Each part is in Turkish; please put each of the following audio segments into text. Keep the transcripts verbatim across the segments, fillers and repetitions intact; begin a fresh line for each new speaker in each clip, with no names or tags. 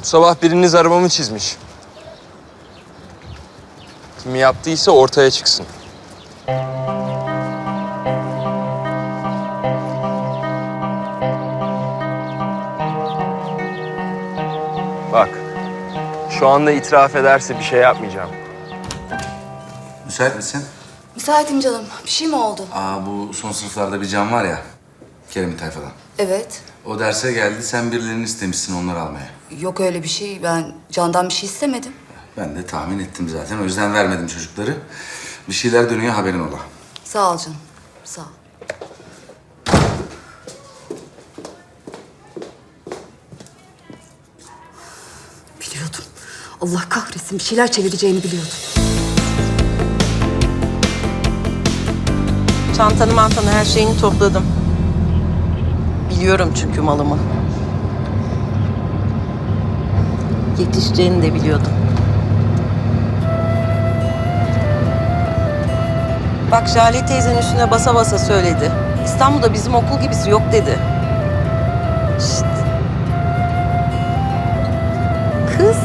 Bu sabah biriniz arabamı çizmiş. Kim yaptıysa ortaya çıksın. Bak, şu anda itiraf ederse bir şey yapmayacağım.
Müsait misin?
Müsaitim canım. Bir şey mi oldu?
Aa, bu son sınıflarda bir can var ya, Kerem'in tayfadan.
Evet.
O derse geldi, sen birilerini istemişsin onları almaya.
Yok öyle bir şey. Ben Can'dan bir şey istemedim.
Ben de tahmin ettim zaten, o yüzden vermedim çocukları. Bir şeyler dönüyor, haberin ola.
Sağ ol canım. Sağ ol. Biliyordum. Allah kahretsin. Bir şeyler çevireceğini biliyordum.
Çantanı mantanı her şeyini topladım. Biliyorum çünkü malımı. Yetişeceğini de biliyordum. Bak Jale teyzenin üstüne basa basa söyledi. İstanbul'da bizim okul gibisi yok dedi. Şşt. Kız.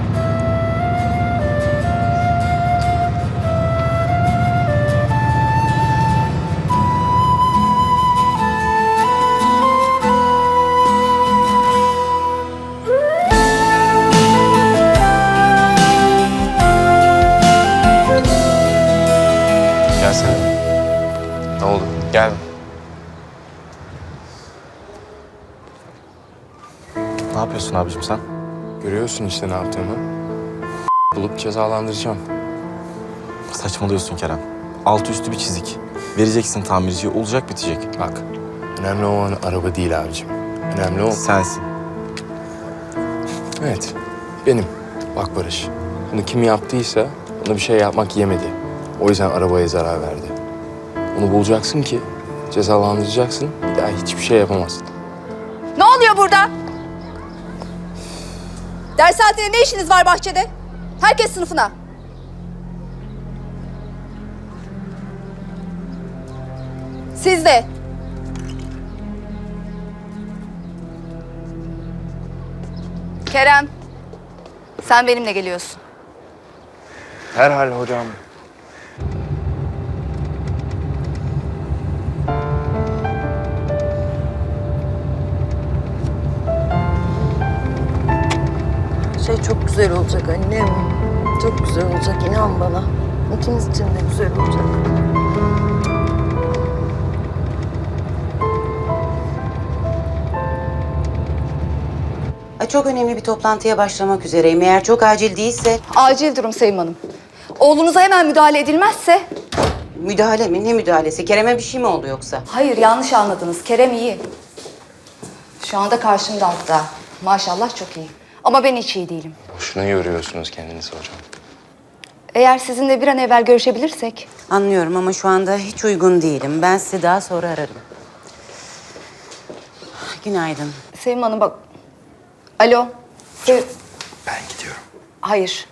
Gelsene. Ne oldu? Gel.
Ne yapıyorsun abicim sen?
Görüyorsun işte ne yaptığımı. Bulup cezalandıracağım.
Saçmalıyorsun Kerem. Altı üstü bir çizik. Vereceksin tamirciye, olacak bitecek.
Bak, önemli olan araba değil abicim. Önemli olan...
Sensin.
Evet, benim. Bak Barış, bunu kim yaptıysa ona bir şey yapmak yemedi. O yüzden arabaya zarar verdi. Onu bulacaksın ki cezalandıracaksın, bir daha hiçbir şey yapamazsın.
Ne oluyor burada? Ders saatinde ne işiniz var bahçede? Herkes sınıfına. Siz de. Kerem, sen benimle geliyorsun.
Herhal hocam.
Şey çok güzel olacak annem. Çok güzel olacak, inan bana. İkimiz için de güzel olacak.
Ay, çok önemli bir toplantıya başlamak üzereyim. Eğer çok acil değilse...
Acil durum Sevim Hanım. Oğlunuza hemen müdahale edilmezse...
Müdahale mi? Ne müdahalesi? Kerem'e bir şey mi oldu yoksa?
Hayır, yanlış anladınız. Kerem iyi. Şu anda karşımda hatta. Maşallah çok iyi. Ama ben hiç iyi değilim.
Boşuna yoruyorsunuz kendinizi hocam.
Eğer sizinle bir an evvel görüşebilirsek...
Anlıyorum ama şu anda hiç uygun değilim. Ben sizi daha sonra ararım. Günaydın.
Sevim Hanım bak... Alo. Sev...
Ben gidiyorum.
Hayır.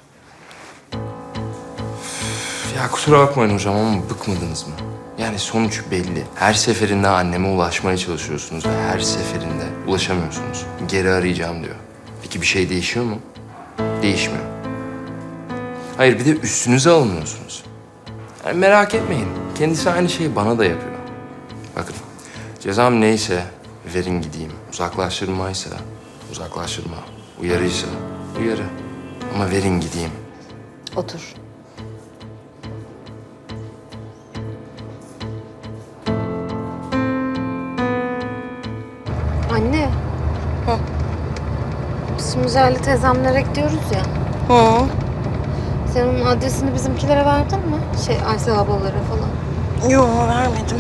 Ya kusura bakmayın hocam ama bıkmadınız mı? Yani sonuç belli. Her seferinde anneme ulaşmaya çalışıyorsunuz ve her seferinde ulaşamıyorsunuz. Geri arayacağım diyor. Peki bir şey değişiyor mu? Değişmiyor. Hayır bir de üstünüze alınıyorsunuz. Yani merak etmeyin. Kendisi aynı şeyi bana da yapıyor. Bakın cezam neyse verin gideyim. Uzaklaştırmaysa uzaklaştırma. Uyarıysa uyarı. Ama verin gideyim.
Otur.
Anne. Hı. Biz şimdi Jale teyzemlere gidiyoruz ya.
Hı.
Sen onun adresini bizimkilere verdin mi? Şey, Aysel ablalara falan.
Yok vermedim.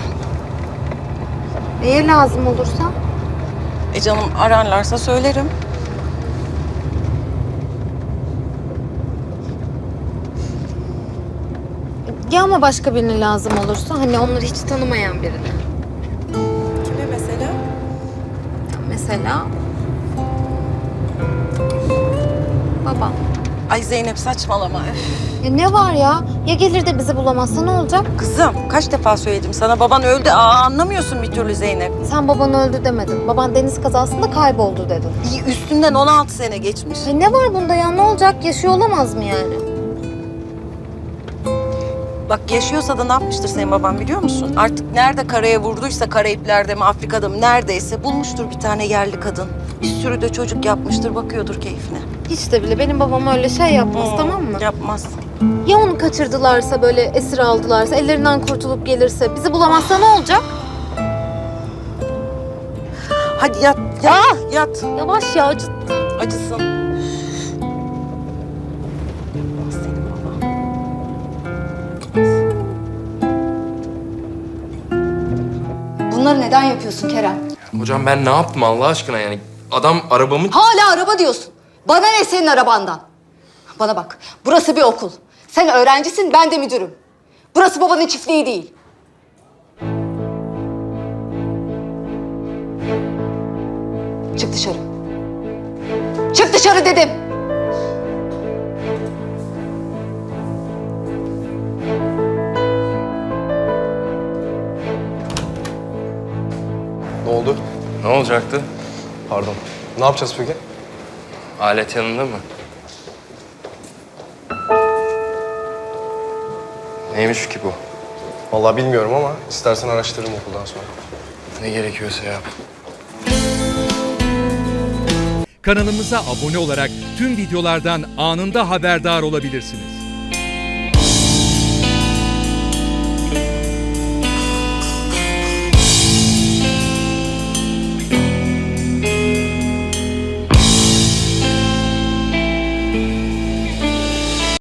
Neye lazım olursa?
E canım ararlarsa söylerim.
Ya ama başka birine lazım olursa? Hani onları hiç tanımayan birine.
Kime mesela?
Ya mesela... Babam.
Ay Zeynep saçmalama. Üf.
Ya ne var ya? Ya gelir de bizi bulamazsa ne olacak?
Kızım kaç defa söyledim sana, baban öldü. Aa, anlamıyorsun bir türlü Zeynep.
Sen baban öldü demedin. Baban deniz kazasında kayboldu dedin.
İyi, üstünden on altı sene geçmiş.
E ne var bunda ya? Ne olacak? Yaşıyor olamaz mı yani?
Bak yaşıyorsa da ne yapmıştır senin baban biliyor musun? Artık nerede karaya vurduysa, Karayipler'de mi Afrika'da mı neredeyse bulmuştur bir tane yerli kadın. Bir sürü de çocuk yapmıştır, bakıyordur keyfine.
Hiç de bile benim babam öyle şey yapmaz,
Hmm,
tamam mı?
Yapmaz.
Ya onu kaçırdılarsa, böyle esir aldılarsa, ellerinden kurtulup gelirse, bizi bulamazsa ne olacak?
Hadi yat, yat, yat.
Yavaş ya, acıttı.
Acısın. Senin baban.
Bunları neden yapıyorsun Kerem?
Hocam ben ne yaptım Allah aşkına yani? Adam arabamı...
Hala araba diyorsun. Bana ne senin arabandan? Bana bak, burası bir okul. Sen öğrencisin, ben de müdürüm. Burası babanın çiftliği değil. Çık dışarı. Çık dışarı dedim.
Ne oldu?
Ne olacaktı?
Pardon. Ne yapacağız peki?
Alet yanında mı? Neymiş ki bu?
Vallahi bilmiyorum ama istersen araştırırım okuldan sonra.
Ne gerekiyorsa yap.
Kanalımıza abone olarak tüm videolardan anında haberdar olabilirsiniz.